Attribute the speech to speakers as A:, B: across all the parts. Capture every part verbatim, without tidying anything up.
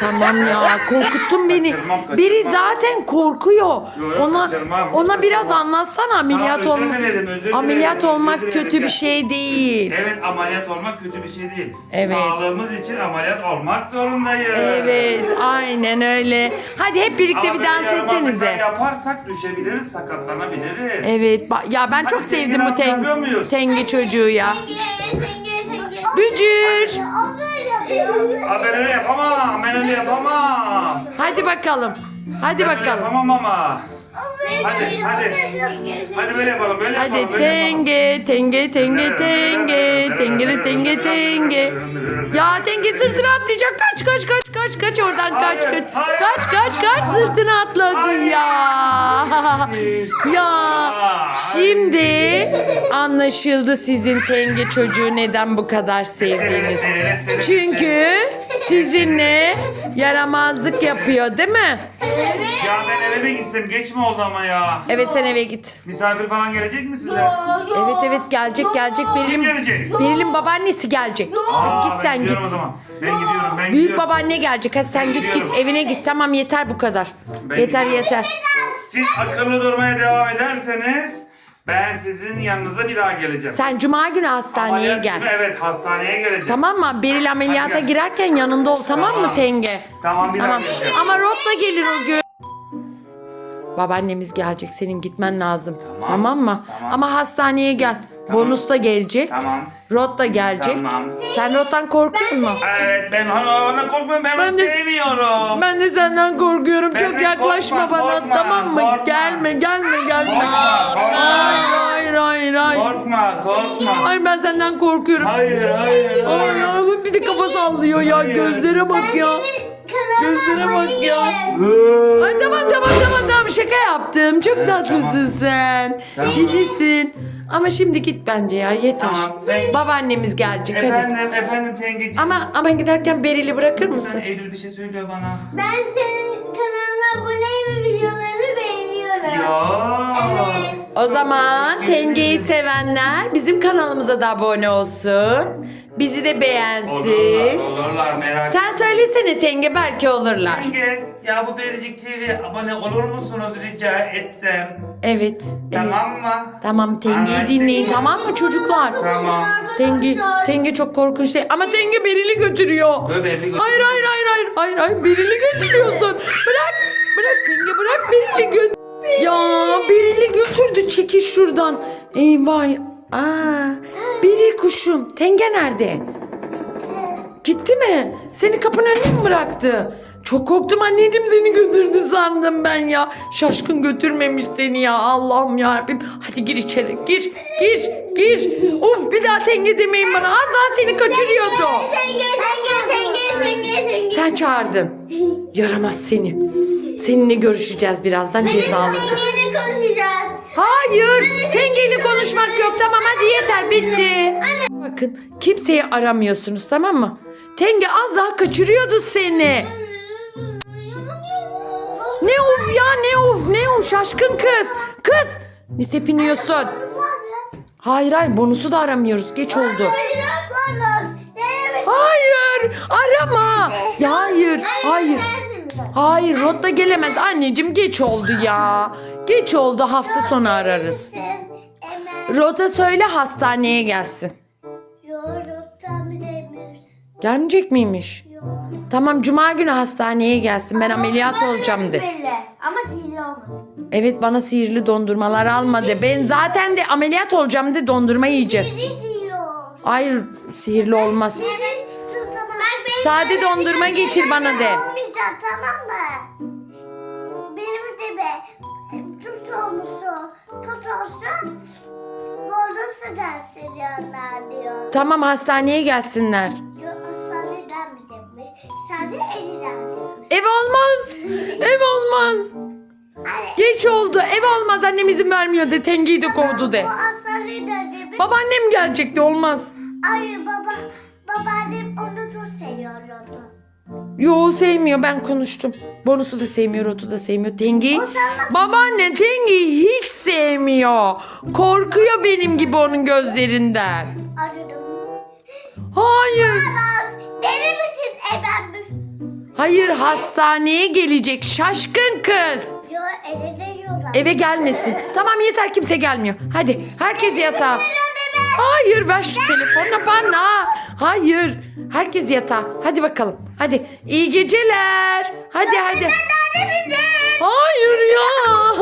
A: Tamam ya, korkuttun beni.
B: Kaçırmam, kaçırmam.
A: Biri zaten korkuyor.
B: Yok, yok,
A: Ona
B: kaçırmam,
A: ona
B: kaçırmam.
A: biraz anlatsana ameliyat
B: özür
A: olmak.
B: dilerim, özür dilerim,
A: Ameliyat
B: özür
A: olmak
B: dilerim
A: kötü
B: ya.
A: bir şey değil.
B: Evet, ameliyat olmak kötü bir şey değil.
A: Evet.
B: Sağlığımız için ameliyat olmak zorundayız.
A: Evet, aynen öyle. Hadi hep birlikte
B: Ama
A: bir
B: böyle
A: dans
B: yaramazlıklar
A: etsenize.
B: yaparsak düşebiliriz, sakatlanabiliriz.
A: Evet, ba- ya ben çok
B: Hadi
A: sevdim
B: tenge
A: bu
B: dans
A: ten-
B: yapıyor muyuz?
A: tenge çocuğu ya.
C: Tenge, tenge, tenge.
A: Bücür.
C: O böyle yapıyor.
B: Ha, ben öyle yapamam, ben öyle yapamam.
A: Hadi bakalım. Hadi
B: Ben öyle
A: bakalım.
B: yapamam ama.
C: O böyle
B: Hadi,
C: yapıyor,
B: hadi.
C: tenge,
B: Hadi böyle yapalım, böyle
A: Hadi
B: yapalım, böyle yapalım.
A: tenge, tenge, tenge, tenge, tengere, tenge, tenge. Ya tenge sırtına atlayacak. Kaç, kaç, kaç, kaç, kaç oradan kaç,
B: Hayır,
A: kaç.
B: hayır.
A: Kaç, kaç, kaç sırtına atladı
B: Hayır.
A: ya. Ya şimdi anlaşıldı sizin tenge çocuğu neden bu kadar sevdiğiniz. Çünkü sizinle yaramazlık yapıyor değil mi?
B: Ya ben eve mi gitsem, geç mi oldu ama ya?
A: Evet sen eve git.
B: Misafir falan gelecek mi size?
A: Evet evet gelecek gelecek.
B: Kim
A: Beril'in
B: gelecek?
A: Beril'in babaannesi gelecek. Hadi
B: Aa,
A: git
B: ben
A: sen git.
B: gidiyorum o zaman. Ben gidiyorum, ben
A: Büyük
B: gidiyorum.
A: babaanne gelecek. Hadi sen
B: Ben
A: git
B: gidiyorum.
A: git evine git. Tamam yeter bu kadar.
B: Ben
A: yeter
B: gidiyorum.
A: yeter.
B: Siz akıllı durmaya devam ederseniz ben sizin yanınıza bir daha geleceğim.
A: Sen cuma günü hastaneye
B: Ameliyat
A: gel.
B: günü, evet, hastaneye geleceğim.
A: Tamam mı? Beril ameliyata
B: gel.
A: girerken yanında ol tamam mı
B: Tamam.
A: Tenge?
B: Tamam, bir daha
A: Tamam.
B: geleceğim.
A: Ama Rot'la gelir o gün. Babaannemiz gelecek. Senin gitmen lazım. Tamam,
B: Tamam.
A: mı?
B: Tamam.
A: Ama hastaneye gel.
B: Tamam.
A: Bonus da gelecek.
B: Tamam.
A: Rot da gelecek.
B: Tamam.
A: Sen Rot'tan korkuyor musun?
B: Evet, ben ona, ona korkmuyorum, ben,
A: Ben
B: onu
A: de-
B: sevmiyorum.
A: Ben de senden korkuyorum.
B: Benden
A: Çok yaklaşma
B: korkma,
A: bana
B: korkma,
A: tamam mı?
B: korkma.
A: Gelme gelme gelme.
B: Korkma, korkma.
A: Hayır hayır hayır hayır.
B: Korkma, korkma.
A: Hayır ben senden korkuyorum.
B: Hayır, hayır,
A: Ay
B: hayır.
A: ya bir de kafa sallıyor ya.
B: Hayır.
A: Gözlere bak ya. Gözlere bak ya. Ay tamam tamam tamam tamam şaka yaptım. Çok
B: Evet,
A: tatlısın sen.
B: Tamam.
A: Cicisin. Ama şimdi git bence ya yeter.
B: Tamam, ben-
A: Babaannemiz gelecek hadi.
B: Efendim, efendim tengeciğim.
A: Ama ama giderken Beril'i bırakır
B: Sen
A: mısın?
B: Eylül bir şey söylüyor bana.
C: Ben senin kanalına aboneyim ve videolarını beğeniyorum.
B: Ya.
C: Evet.
A: O zaman
B: teşekkür
A: Tenge'yi
B: ederim.
A: sevenler bizim kanalımıza da abone olsun. Bizi de beğensin.
B: Olurlar, olurlar, merak etme.
A: Sen söylesene Tenge belki olurlar.
B: Tenge, ya bu Bericik T V abone olur musunuz rica etsem?
A: Evet. evet.
B: Tamam mı?
A: Tamam Tenge'yi
B: Anlaştık.
A: dinleyin tamam mı çocuklar?
B: Tamam.
A: Tenge, Tenge çok korkunç değil. Ama Tenge Beril'i götürüyor.
B: Ö, Beril'i götür.
A: Hayır hayır hayır hayır hayır hayır Beril'i götürüyorsun. Bırak bırak Tenge bırak Beril'i götür. Ya Beril'i götürdü çekil şuradan. Eyvah. Aa, Beril kuşum. Tenge nerede? Gitti mi? Seni kapının önüne mi bıraktı? Çok korktum anneciğim seni götürdü sandım ben ya. Şaşkın götürmemiş seni ya Allah'ım yarabbim. Hadi gir içeri gir gir gir. Of bir daha Tenge demeyin bana az daha seni kaçırıyordu.
C: Tenge, tenge, tenge, tenge, tenge.
A: Sen çağırdın. Yaramaz seni. Seninle görüşeceğiz birazdan cezalısın.
C: Tenge'yle konuşacağız.
A: Hayır. Tengeyle konuşmak yok tamam hadi yeter bitti. Bakın kimseyi aramıyorsunuz tamam mı? Tenge az daha kaçırıyordu seni. Ne of ya ne of ne of şaşkın kız. Kız ne tepiniyorsun? Hayır hayır bonusu da aramıyoruz geç oldu. Hayır arama. Ya hayır hayır. Hayır Rot da gelemez anneciğim geç oldu ya. Geç oldu hafta sonu ararız. Rot'a söyle hastaneye gelsin. Gelmeyecek miymiş? Tamam cuma günü hastaneye gelsin ben ameliyat olacağım de.
C: Ama sihirli olmasın.
A: Evet bana sihirli dondurmalar alma de. Ben zaten de ameliyat olacağım de dondurma yiyeceğim.
C: Bizi diyor.
A: Hayır sihirli olmaz.
C: Bak,
A: Sade dondurma getir bana de.
C: Olmayacak tamam mı? Benim de be tut olmuşu tut olsun. Bordosu dersin yanlar diyor.
A: Tamam hastaneye gelsinler.
C: Yok hastaneden mi demiş? Sadece eliden demiş.
A: Ev olmaz. Ev olmaz.
C: Hani
A: Geç oldu. Ev olmaz annem izin vermiyor de. Tengeyi de kovdu de.
C: o hastaneden demiş.
A: Babaannem gelecekti olmaz.
C: Ay baba babaannem onu çok seviyordu.
A: Yo sevmiyor ben konuştum. Bonusu da sevmiyor, Rotu da sevmiyor. Tengeyi
C: O sen nasıl-
A: babaanne Tengeyi hiç sevmiyor. Korkuyor benim gibi onun gözlerinden.
C: Aradım.
A: Hayır.
C: Aras deli misin efendim?
A: Hayır, hastaneye gelecek şaşkın kız.
C: Yo eve de yiyorlar.
A: Eve gelmesin. Tamam yeter, kimse gelmiyor. Hadi herkes yatağa. Hayır, ver şu telefonla bana. Hayır. Herkes yatağa. Hadi bakalım. Hadi. İyi geceler. Hadi hadi. Hayır ya.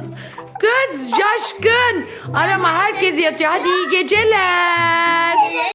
A: Kız şaşkın. Arama, herkes yatıyor. Hadi iyi geceler.